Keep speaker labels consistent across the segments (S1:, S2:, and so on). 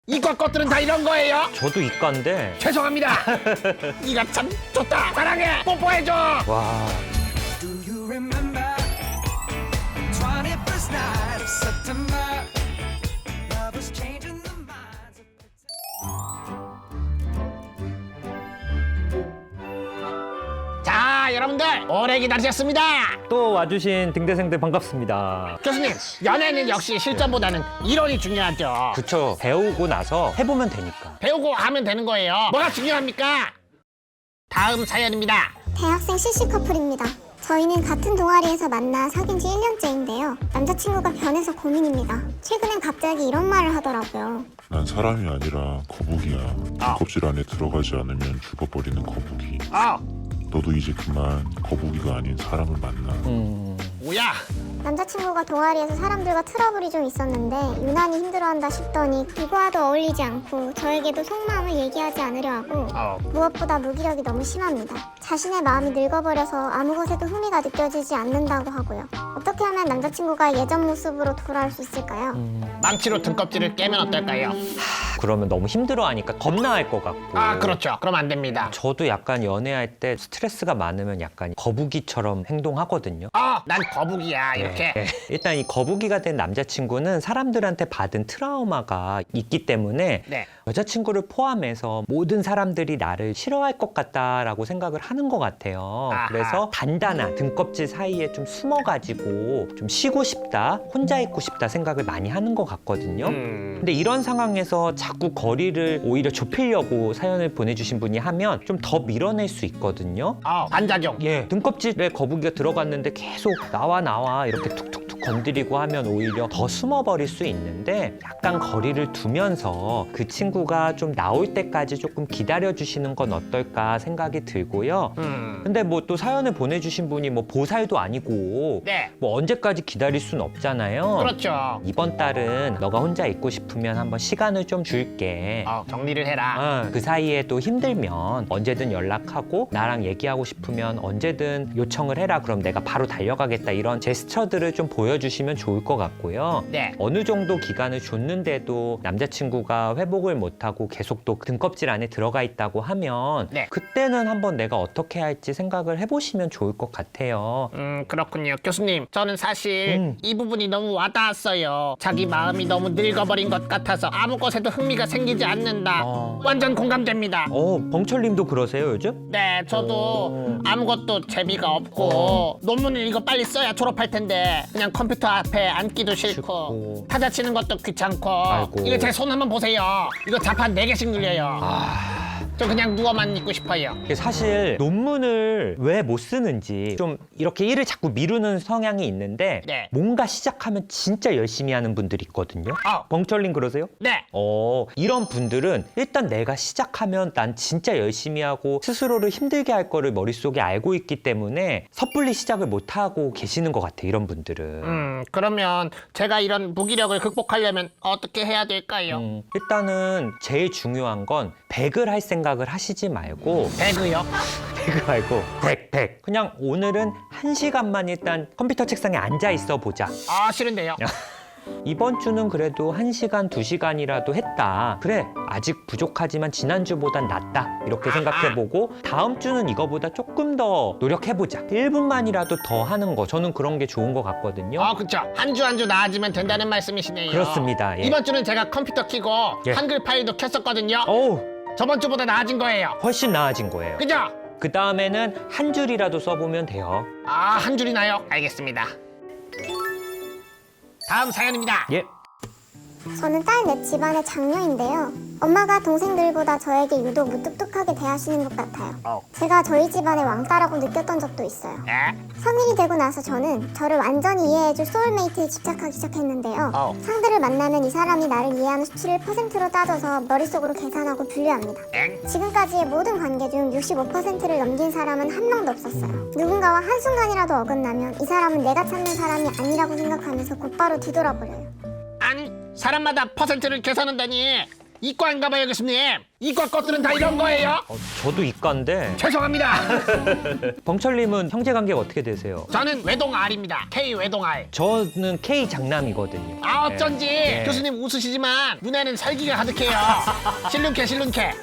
S1: 이과 것들은 다 이런 거예요?
S2: 저도 이과인데.
S1: 죄송합니다. 이가 참 좋다. 사랑해. 뽀뽀해줘.
S2: 와.
S3: Do you remember 21st night of September? Love was changing the minds of
S1: 자, 여러분들 오래 기다리셨습니다.
S2: 또 와주신 등대생들 반갑습니다.
S1: 교수님, 연애는 역시 실전보다는 이론이 중요하죠.
S2: 그쵸. 배우고 나서 해보면 되니까.
S1: 배우고 하면 되는 거예요. 뭐가 중요합니까? 다음 사연입니다.
S4: 대학생 CC 커플입니다. 저희는 같은 동아리에서 만나 사귄 지 1년째인데요. 남자친구가 변해서 고민입니다. 최근엔 갑자기 이런 말을 하더라고요.
S5: 난 사람이 아니라 거북이야. 껍질 안에 들어가지 않으면 죽어버리는 거북이. 너도 이제 그만 거북이가 아닌 사람을 만나.
S1: 뭐야?
S4: 남자친구가 동아리에서 사람들과 트러블이 좀 있었는데 유난히 힘들어한다 싶더니 누구와도 어울리지 않고 저에게도 속마음을 얘기하지 않으려 하고 무엇보다 무기력이 너무 심합니다. 자신의 마음이 늙어버려서 아무 것에도 흥미가 느껴지지 않는다고 하고요. 어떻게 하면 남자친구가 예전 모습으로 돌아올 수 있을까요?
S1: 망치로 등껍질을 깨면 어떨까요?
S2: 그러면 너무 힘들어하니까 겁나할 것 같고.
S1: 그렇죠. 그럼 안 됩니다.
S2: 저도 약간 연애할 때 스트레스가 많으면 약간 거북이처럼 행동하거든요.
S1: 난 거북이야. 이렇게.
S2: 네. 일단 이 거북이가 된 남자친구는 사람들한테 받은 트라우마가 있기 때문에
S1: 네.
S2: 여자친구를 포함해서 모든 사람들이 나를 싫어할 것 같다라고 생각을 하는 것 같아요.
S1: 아하.
S2: 그래서 단단한 등껍질 사이에 좀 숨어가지고 좀 쉬고 싶다, 혼자 있고 싶다 생각을 많이 하는 것 같거든요. 근데 이런 상황에서 자꾸 거리를 오히려 좁히려고 사연을 보내주신 분이 하면 좀 더 밀어낼 수 있거든요.
S1: 반작용.
S2: 예, 등껍질에 거북이가 들어갔는데 계속 나와 이렇게 툭툭툭 건드리고 하면 오히려 더 숨어버릴 수 있는데 약간 거리를 두면서 그 친구가 좀 나올 때까지 조금 기다려주시는 건 어떨까 생각이 들고요. 근데 뭐 또 사연을 보내주신 분이 뭐 보살도 아니고
S1: 네.
S2: 뭐 언제까지 기다릴 순 없잖아요.
S1: 그렇죠.
S2: 이번 달은 너가 혼자 있고 싶으면 한번 시간을 좀 줄게.
S1: 정리를 해라.
S2: 그 사이에 또 힘들면 언제든 연락하고 나랑 얘기하고 싶으면 언제든 요청을 해라. 그럼 내가 바로 달려가겠다. 이런 제스처들을 좀 보여주시면 좋을 것 같고요.
S1: 네.
S2: 어느 정도 기간을 줬는데도 남자친구가 회복을 못하고 계속 또 등껍질 안에 들어가 있다고 하면
S1: 네.
S2: 그때는 한번 내가 어떻게 할지 생각을 해보시면 좋을 것 같아요.
S1: 그렇군요. 교수님, 저는 사실 이 부분이 너무 와닿았어요. 자기 마음이 너무 늙어버린 것 같아서 아무 것에도 흥미가 생기지 않는다. 완전 공감됩니다.
S2: 벙철님도 그러세요 요즘?
S1: 네, 저도 아무것도 재미가 없고 논문을 이거 빨리 써야 졸업할 텐데 그냥 컴퓨터 앞에 앉기도 싫고 타자 치는 것도 귀찮고.
S2: 아이고.
S1: 이거 제 손 한번 보세요. 이거 자판 4개씩 눌려요. 저 그냥 누워만 있고 싶어요.
S2: 사실 논문을 왜 못 쓰는지 좀 이렇게 일을 자꾸 미루는 성향이 있는데
S1: 네.
S2: 뭔가 시작하면 진짜 열심히 하는 분들이 있거든요. 벙철님 그러세요?
S1: 네.
S2: 이런 분들은 일단 내가 시작하면 난 진짜 열심히 하고 스스로를 힘들게 할 거를 머릿속에 알고 있기 때문에 섣불리 시작을 못 하고 계시는 것 같아요. 이런 분들은.
S1: 그러면 제가 이런 무기력을 극복하려면 어떻게 해야 될까요?
S2: 일단은 제일 중요한 건 100을 할 생각을 하시지 말고
S1: 배그요?
S2: 100을 말고 100. 그냥 오늘은 1시간만 일단 컴퓨터 책상에 앉아 있어 보자.
S1: 싫은데요.
S2: 이번 주는 그래도 1시간, 2시간이라도 했다. 그래, 아직 부족하지만 지난주보단 낫다. 이렇게 생각해보고 다음 주는 이거보다 조금 더 노력해보자. 1분만이라도 더 하는 거. 저는 그런 게 좋은 것 같거든요.
S1: 그쵸. 한 주 한 주 나아지면 된다는 말씀이시네요.
S2: 그렇습니다. 예.
S1: 이번 주는 제가 컴퓨터 켜고
S2: 예.
S1: 한글 파일도 켰었거든요.
S2: 어우,
S1: 저번 주보다 나아진 거예요.
S2: 훨씬 나아진 거예요.
S1: 그죠?
S2: 그 다음에는 한 줄이라도 써보면 돼요.
S1: 한 줄이나요? 알겠습니다. 다음 사연입니다.
S2: 예.
S4: 저는 딸 넷 집안의 장녀인데요. 엄마가 동생들보다 저에게 유독 무뚝뚝하게 대하시는 것 같아요. 제가 저희 집안의 왕따라고 느꼈던 적도 있어요.
S1: 네.
S4: 성인이 되고 나서 저는 저를 완전히 이해해줄 소울메이트에 집착하기 시작했는데요. 상대를 만나면 이 사람이 나를 이해하는 수치를 퍼센트로 따져서 머릿속으로 계산하고 분류합니다. 지금까지의 모든 관계 중 65%를 넘긴 사람은 한 명도 없었어요. 누군가와 한순간이라도 어긋나면 이 사람은 내가 찾는 사람이 아니라고 생각하면서 곧바로 뒤돌아버려요.
S1: 아니, 사람마다 퍼센트를 계산한다니 이과인가봐요, 교수님. 이과 것들은 다 이런 거예요?
S2: 저도 이과인데
S1: 죄송합니다.
S2: 벙철님은 형제관계가 어떻게 되세요?
S1: 저는 외동알입니다. K 외동알.
S2: 저는 K 장남이거든요.
S1: 아 어쩐지
S2: 네.
S1: 교수님 웃으시지만 눈에는 살기가 가득해요. 실눈캐.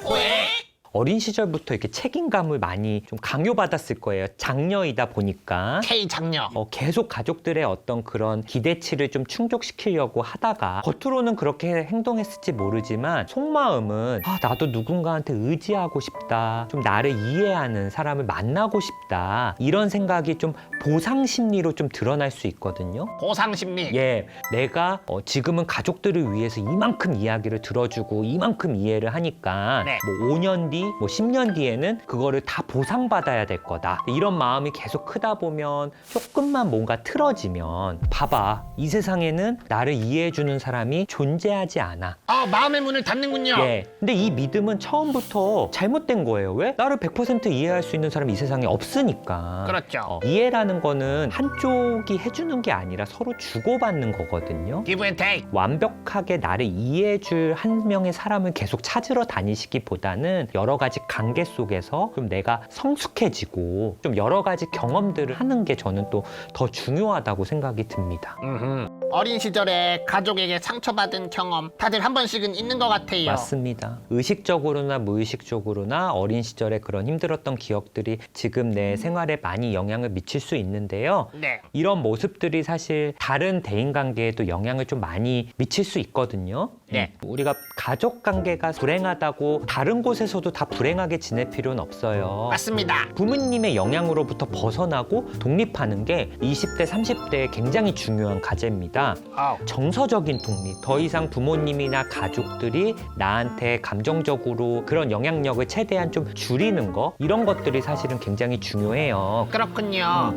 S2: 어린 시절부터 이렇게 책임감을 많이 좀 강요받았을 거예요. 장녀이다 보니까.
S1: K 장녀.
S2: 계속 가족들의 어떤 그런 기대치를 좀 충족시키려고 하다가 겉으로는 그렇게 행동했을지 모르지만 속마음은 나도 누군가한테 의지하고 싶다. 좀 나를 이해하는 사람을 만나고 싶다. 이런 생각이 좀 보상 심리로 좀 드러날 수 있거든요.
S1: 보상 심리.
S2: 예, 내가 지금은 가족들을 위해서 이만큼 이야기를 들어주고 이만큼 이해를 하니까
S1: 네.
S2: 뭐 5년 뒤, 뭐 10년 뒤에는 그거를 다 보상받아야 될 거다. 이런 마음이 계속 크다 보면 조금만 뭔가 틀어지면 봐봐, 이 세상에는 나를 이해해주는 사람이 존재하지 않아.
S1: 마음의 문을 닫는군요.
S2: 예, 근데 이 믿음은 처음부터 잘못된 거예요. 왜? 나를 100% 이해할 수 있는 사람이 이 세상에 없으니까.
S1: 그렇죠.
S2: 이해라는 거는 한쪽이 해주는 게 아니라 서로 주고받는 거거든요.
S1: Give and take.
S2: 완벽하게 나를 이해해줄 한 명의 사람을 계속 찾으러 다니시기보다는 여러 가지 관계 속에서 좀 내가 성숙해지고 좀 여러 가지 경험들을 하는 게 저는 또 더 중요하다고 생각이 듭니다.
S1: 어린 시절에 가족에게 상처받은 경험 다들 한 번씩은 있는 것 같아요.
S2: 맞습니다. 의식적으로나 무의식적으로나 어린 시절에 그런 힘들었던 기억들이 지금 내 생활에 많이 영향을 미칠 수 있는데요.
S1: 네.
S2: 이런 모습들이 사실 다른 대인관계에도 영향을 좀 많이 미칠 수 있거든요.
S1: 네.
S2: 우리가 가족 관계가 불행하다고 다른 곳에서도 다 불행하게 지낼 필요는 없어요.
S1: 맞습니다.
S2: 부모님의 영향으로부터 벗어나고 독립하는 게 20대, 30대에 굉장히 중요한 과제입니다. 정서적인 독립. 더 이상 부모님이나 가족들이 나한테 감정적으로 그런 영향력을 최대한 좀 줄이는 거, 이런 것들이 사실은 굉장히 중요해요.
S1: 그렇군요.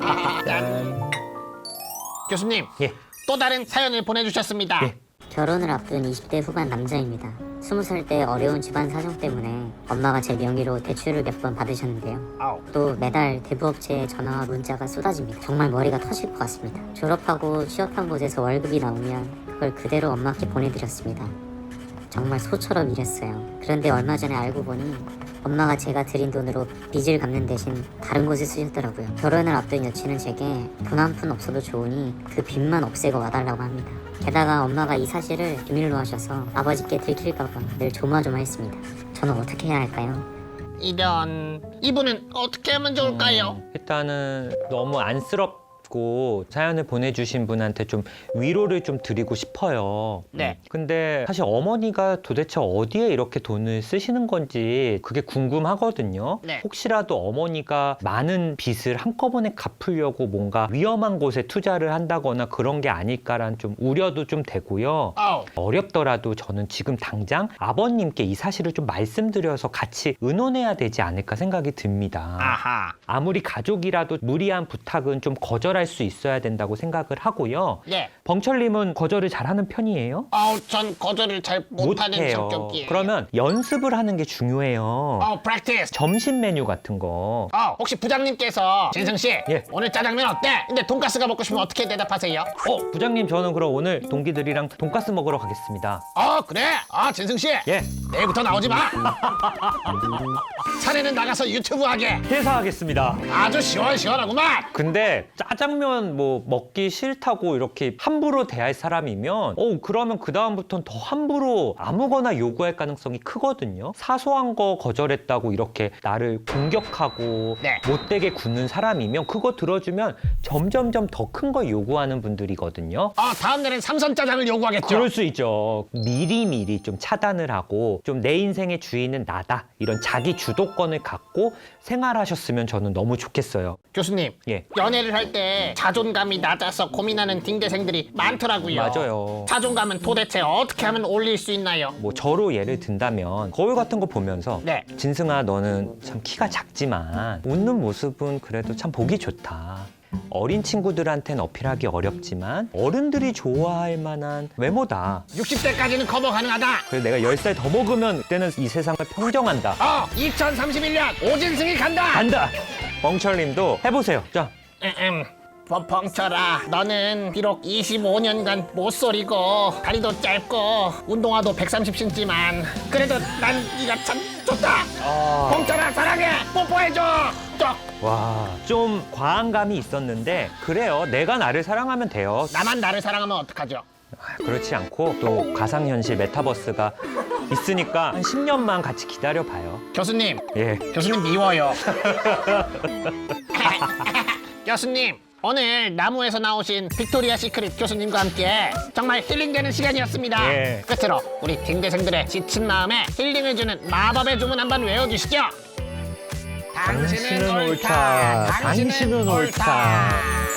S1: 교수님,
S2: 예.
S1: 또 다른 사연을 보내주셨습니다.
S2: 예.
S6: 결혼을 앞둔 20대 후반 남자입니다. 20살 때 어려운 집안 사정 때문에 엄마가 제 명의로 대출을 몇 번 받으셨는데요. 또 매달 대부업체에 전화와 문자가 쏟아집니다. 정말 머리가 터질 것 같습니다. 졸업하고 취업한 곳에서 월급이 나오면 그걸 그대로 엄마께 보내드렸습니다. 정말 소처럼 일했어요. 그런데 얼마 전에 알고 보니 엄마가 제가 드린 돈으로 빚을 갚는 대신 다른 곳에 쓰셨더라고요. 결혼을 앞둔 여친은 제게 돈 한 푼 없어도 좋으니 그 빚만 없애고 와달라고 합니다. 게다가 엄마가 이 사실을 비밀로 하셔서 아버지께 들킬까봐 늘 조마조마했습니다. 저는 어떻게 해야 할까요?
S1: 이분은 어떻게 하면 좋을까요?
S2: 일단은 너무 안쓰럽고 사연을 보내주신 분한테 좀 위로를 좀 드리고 싶어요.
S1: 네.
S2: 근데 사실 어머니가 도대체 어디에 이렇게 돈을 쓰시는 건지 그게 궁금하거든요.
S1: 네.
S2: 혹시라도 어머니가 많은 빚을 한꺼번에 갚으려고 뭔가 위험한 곳에 투자를 한다거나 그런 게 아닐까라는 좀 우려도 좀 되고요. 어렵더라도 저는 지금 당장 아버님께 이 사실을 좀 말씀드려서 같이 의논해야 되지 않을까 생각이 듭니다.
S1: 아하.
S2: 아무리 가족이라도 무리한 부탁은 좀 거절할 수 있어야 된다고 생각을 하고요.
S1: 네.
S2: 벙철님은 거절을 잘하는 편이에요?
S1: 전 거절을 잘 못하는
S2: 못해요.
S1: 성격이에요.
S2: 그러면 연습을 하는 게 중요해요.
S1: practice.
S2: 점심 메뉴 같은 거.
S1: 혹시 부장님께서 진승 씨,
S2: 예.
S1: 오늘 짜장면 어때? 근데 돈가스가 먹고 싶으면 어떻게 대답하세요?
S2: 부장님, 저는 그럼 오늘 동기들이랑 돈가스 먹으러 가겠습니다.
S1: 그래? 진승 씨.
S2: 예,
S1: 내일부터 나오지 마. 사내는 나가서 유튜브 하게.
S2: 퇴사하겠습니다.
S1: 아주 시원시원하구만.
S2: 근데 짜장면 뭐 먹기 싫다고 이렇게 함부로 대할 사람이면 그러면 그 다음부터는 더 함부로 아무거나 요구할 가능성이 크거든요. 사소한 거 거절했다고 이렇게 나를 공격하고
S1: 네.
S2: 못되게 굽는 사람이면 그거 들어주면 점점점 더 큰 걸 요구하는 분들이거든요.
S1: 다음 날엔 삼선 짜장을 요구하겠죠.
S2: 그럴 수 있죠. 미리미리 좀 차단을 하고 좀 내 인생의 주인은 나다, 이런 자기 주도권을 갖고 생활하셨으면 저는 너무 좋겠어요.
S1: 교수님,
S2: 예.
S1: 연애를 할 때 자존감이 낮아서 고민하는 딩대생들이 많더라고요.
S2: 맞아요.
S1: 자존감은 도대체 어떻게 하면 올릴 수 있나요?
S2: 뭐 저로 예를 든다면 거울 같은 거 보면서
S1: 네.
S2: 진승아, 너는 참 키가 작지만 웃는 모습은 그래도 참 보기 좋다. 어린 친구들한테는 어필하기 어렵지만 어른들이 좋아할 만한 외모다.
S1: 60대까지는 커버 가능하다.
S2: 그래서 내가 10살 더 먹으면 그때는 이 세상을 평정한다.
S1: 2031년 오진승이 간다.
S2: 간다! 멍철님도 해보세요. 자,
S1: 벙철아, 너는 비록 25년간 못소리고 다리도 짧고 운동화도 130cm지만 그래도 난 네가 참 좋다. 벙철아 사랑해. 뽀뽀해줘.
S2: 와, 좀 과한 감이 있었는데 그래요. 내가 나를 사랑하면 돼요.
S1: 나만 나를 사랑하면 어떡하죠?
S2: 그렇지 않고 또 가상현실 메타버스가 있으니까 한 10년만 같이 기다려봐요.
S1: 교수님,
S2: 예.
S1: 교수님 미워요. 교수님, 오늘 나무에서 나오신 빅토리아 시크릿 교수님과 함께 정말 힐링되는 시간이었습니다.
S2: 예.
S1: 끝으로 우리 딩대생들의 지친 마음에 힐링해주는 마법의 주문 한번 외워주시죠.
S2: 당신은 옳다. 당신은 옳다.